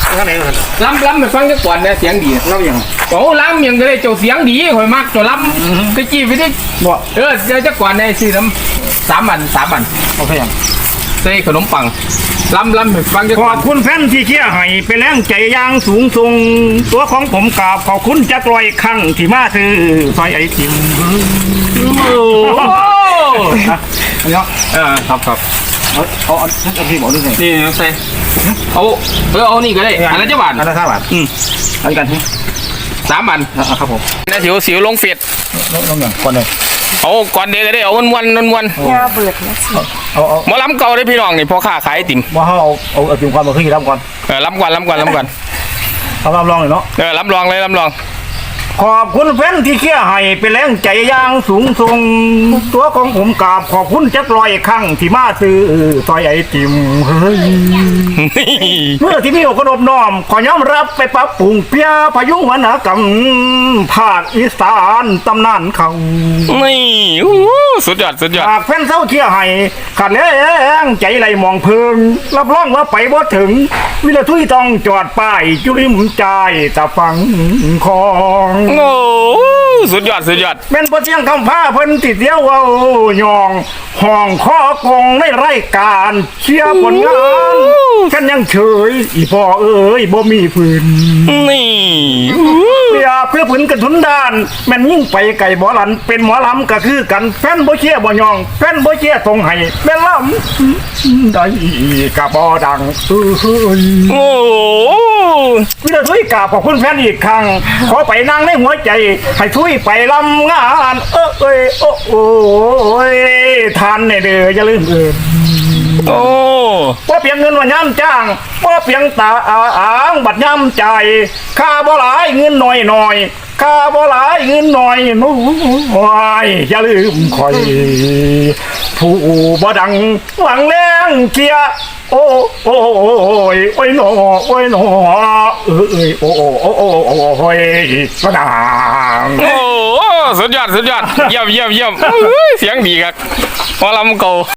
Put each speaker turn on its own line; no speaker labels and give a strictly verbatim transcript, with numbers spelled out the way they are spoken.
ข้างไหนกัน
ล้ำล้ำไปฟังจักก่อนเนี่ยเสียงดีล้ำยังโอ้ล้ำยังก็ได้เจ้าเสียงดีคอยมากเจ้าล้ำตะกี้ไปที่บ่เออเจ้าจักก่อนในสี่น้ำสามวันสามวันโอเคยังใส่ขนมปังล้ำล้ำไปฟังจัก
ข
ก่อ
อน บคุณแฟนที่เชียร์ให้เป็นแรงใจอย่างสูงส่งตัวของผมกราบขอบคุณจักรอยครั้งที่มาซื้อซอยไอติม
โอ้
อันนี้
เออครับครับ
เอาเอาเอาที่บอกด้วยไง
นี่ใส่เอาเออเอานี่ก็ได้อันละเจ้าบาท
อันละห้าบาท
อืม
อันกันที่
สามบาท
ครับผม
นะสิวสิวลงเฟียด
น้องน้องอย่างก่อนเลย
เอาก่อนเดียวก็ได้เอาวันวันวันวัน
ยาเบิดนะสิ
เอาเอา
หมอลำเก่าได้พี่น้องนี่พอค้าขายไอติม
ว่าเอาเอาเอาติมความมาขึ้นรับก่อน
เออลำก่อนลำก่อนลำก่อน
เอารับรองเลยเนาะ
เออลำลองเลยลำลอง
ขอบคุณแฟนที่เชียร์ให้เป็นแรงใจอย่างสูงส่งตัวของผมกราบขอบคุณจักรอยครั้งที่มาซื้อซอยไอติมเฮ้ย เมื่อที่มีอกนบน้อมขอยอมรับไปปรับปรุงเพียพยุงวรรณกรรมภาคอีสานตำนานเขา
นี่อู้สุดยอดสุดยอด
หากแฟนเศร้าเชียร์ให้ขัดแล้งใจไหลมองเพิงรับรองว่าไปบ่ถึง วิลาทุยต้องจอดป้ายจุริมใจตะฟังของ
โอ้สุดยอดสุดยอด
เป็นบ่เสียงคำผ้าเพิ่นติดเดียวเอายองห้องข้อกงในรายการเชียร์ผลงานฉันยังเฉยอีพ่อเอ้ยบ่มีฝืน
นี่
เปียเพื่อผืนกระทุนด้านแม่นยิ่งไปไก่บ่หลันเป็นหมอลำก็คือกันแฟนบ่เชียร์บ่ยองแฟนบ่เชียร์ทรงให้แม่นลำได้กะบ่ดังเอ้ย
โอ้
วิลาทุยกราบขอบคุณแฟนอีกครั้งขอไปนั่งในหัวใจให้ทุยไปลำงานเอ้ยเอ้ยโอ้โอ้ยทานในเด้ออย่าลืมเอิน
โอ้
ว่าเพียงเงินว่าย่ำจ้างว่าเพียงตาอ้างบัดย่ำใจค่าบ่หลายเงินหน่อยหน่อยค่าบ่หลายเงินหน่อยน้อยอย่าลืมคอย ผู้บ่ดังหวังแรงเกียโอ้โอ้ยโอ้ยหนอโอ้ยหนอเอ้ยโอ้โอ้โอ้โอ้โอ้ยกระดาง
โอ้สุดยอดสุดยอดเยี่ยมเยี่ยมเยี่ยมเสียงดีครับหมอลำเก่า